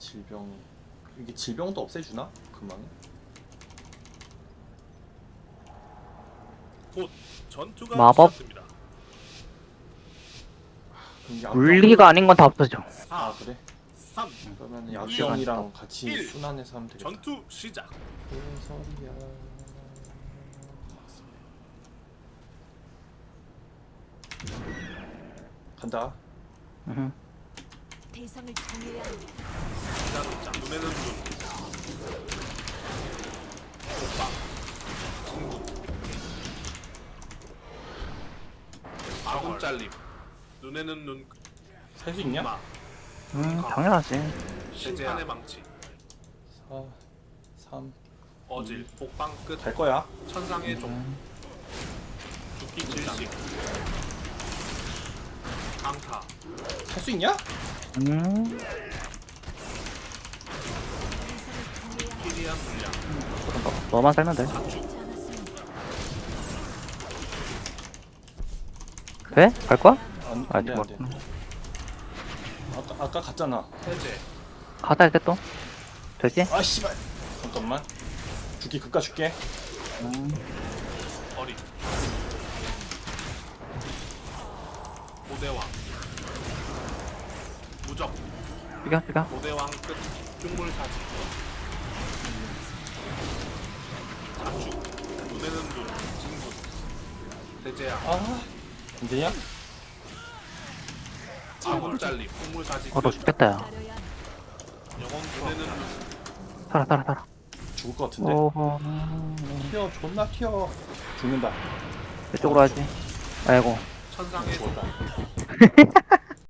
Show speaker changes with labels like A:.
A: 질병 이게 질병도 없애주나? 금방.
B: 곧 전투가
C: 마법?
B: 시작됩니다.
A: 그럼 이게
C: 물리가 아닌 건 다 없어져.
B: 4,
A: 아 그래?
B: 3,
A: 그러면
C: 일.
A: 약병이랑 같이
B: 일.
A: 순환해서 하면 되겠다.
B: 전투 시작.
A: 개소리야. 간다.
C: 응.
D: 대상을 정해야 합니다.
B: 자, 눈에는 눈. 오빠. 친구. 아군 잘림. 눈에는 눈.
A: 살 수 있냐?
B: 마.
C: 당연하지.
B: 심판의 망치.
A: 4, 3.
B: 어질. 복방 끝.
A: 갈 거야.
B: 천상의 종. 죽기 질식. 강타.
A: 살 수 있냐?
B: 희리한 물량.
C: 너만 살면 돼.
B: 자축.
D: 하지 않았습니다.
C: 돼? 갈 거야?
A: 안
C: 아직
A: 돼, 안 돼.
C: 멀었구나.
A: 아까 갔잖아.
B: 해제.
C: 가자 이제 또. 되지?
A: 아 씨발. 잠깐만. 죽기 급가 줄게.
B: 어린. 고대왕. 무적.
C: 죽여.
B: 고대왕 끝. 중물사지. 자축. 눈에는 눈. 진군. 대제야.
A: 아. 안 되냐?
B: 아군 잘림. 풍물사지.
C: 너 죽겠다 야.
D: 따려야 합니다.
B: 영혼 눈에는 눈.
C: 살아.
A: 죽을 것 같은데.
C: 오호.
A: 튀어. 존나 튀어. 죽는다.
C: 이쪽으로 하지. 아이고.
B: 천상의 종.
A: 죽었다.